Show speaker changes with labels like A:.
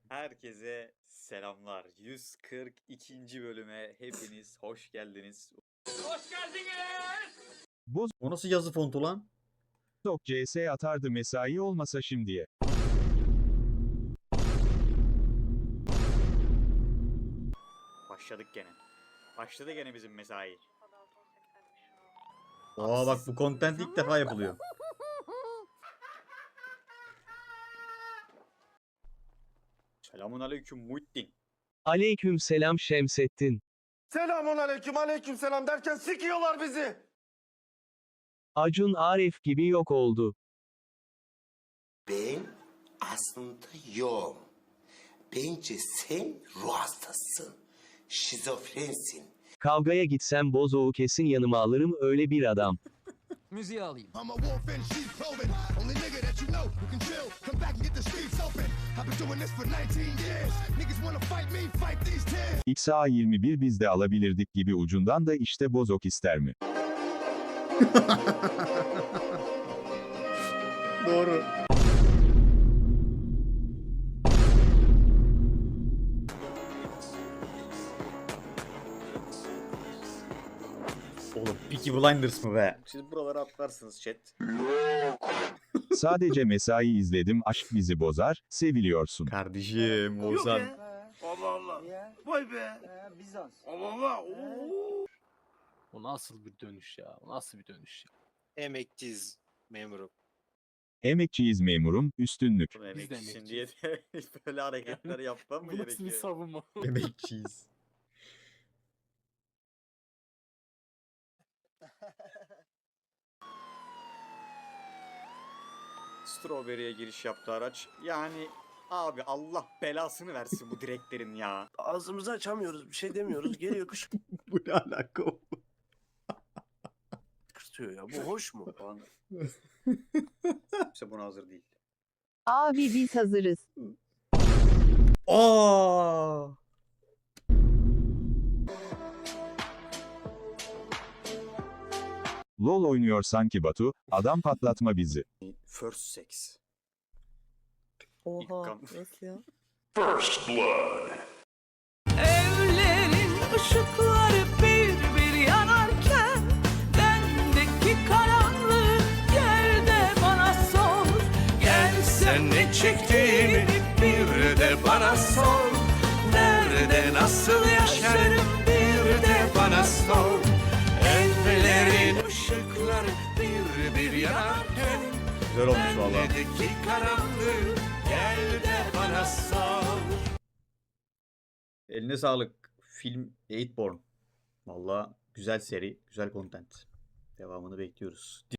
A: Herkese selamlar. 142. bölüme hepiniz hoş geldiniz.
B: Hoş geldiniz.
A: O nasıl yazı fontu lan?
C: Bozok CS atardı mesai olmasa şimdiye.
A: Başladık gene. Başladı gene bizim mesai. Bak bu content ilk defa yapılıyor. Selamun aleyküm Muhittin.
D: Aleyküm selam Şemsettin.
E: Selamun aleyküm aleyküm selam derken sikiyorlar bizi.
D: Acun Arif gibi yok oldu.
F: Ben aslında yoğum. Bence sen ruh hastasın. Şizofrensin.
D: Kavgaya gitsem Bozoğu kesin yanıma alırım öyle bir adam.
B: Müziği alayım.
G: I'm a wolf in sheep's clothing. Only nigga that you know who can chill. Come back and get the streets open. I've been doing this for 19 years. Niggas wanna fight me, fight these tears.
C: XA21 biz de alabilirdik gibi ucundan da işte Bozok ister mi?
A: Doğru. Oğlum Peaky Blinders mı be? Siz buralara atlarsınız chat.
C: Sadece mesai izledim aşk bizi bozar, seviliyorsun.
A: Kardeşim Oğuzhan.
E: Allah Allah. Vay be.
H: Bizans.
E: Allah Allah. Oo.
B: O nasıl bir dönüş ya? O nasıl bir dönüş ya?
I: Emekçiyiz memurum.
C: Emekçiyiz memurum, üstünlük.
A: Bunu
B: Biz de
A: emekçisin diye de böyle hareketler yapmam mı
B: Bu nasıl bir
A: gerekiyor?
B: savunma?
A: Emekçiyiz. Strawberry'e giriş yaptı araç. Yani abi Allah belasını versin bu direklerin ya.
E: Ağzımızı açamıyoruz, bir şey demiyoruz. Geliyor
A: Bu ne alaka o?
E: kışkırtıyor ya. Bu hoş mu falan.
A: İşte buna hazır değil.
J: Abi biz hazırız.
A: Aa!
C: LOL oynuyor sanki Batu, adam patlatma bizi.
A: First sex.
H: Oha
A: kan.
H: nasıl ya?
K: Evlerin ışıkları bir bir yanarken bendeki karanlığı gel de bana sor. Gel sen ne çektiğimi bir de bana sor. Nerede nasıl yaşarım bir de bana sor. Evlerin ışıkları bir bir yanarken
A: Güzel olmuş valla.
K: bendeki karanlığı gel de bana sor.
A: Eline sağlık. Film Eightborn. Valla güzel seri, güzel content. Devamını bekliyoruz.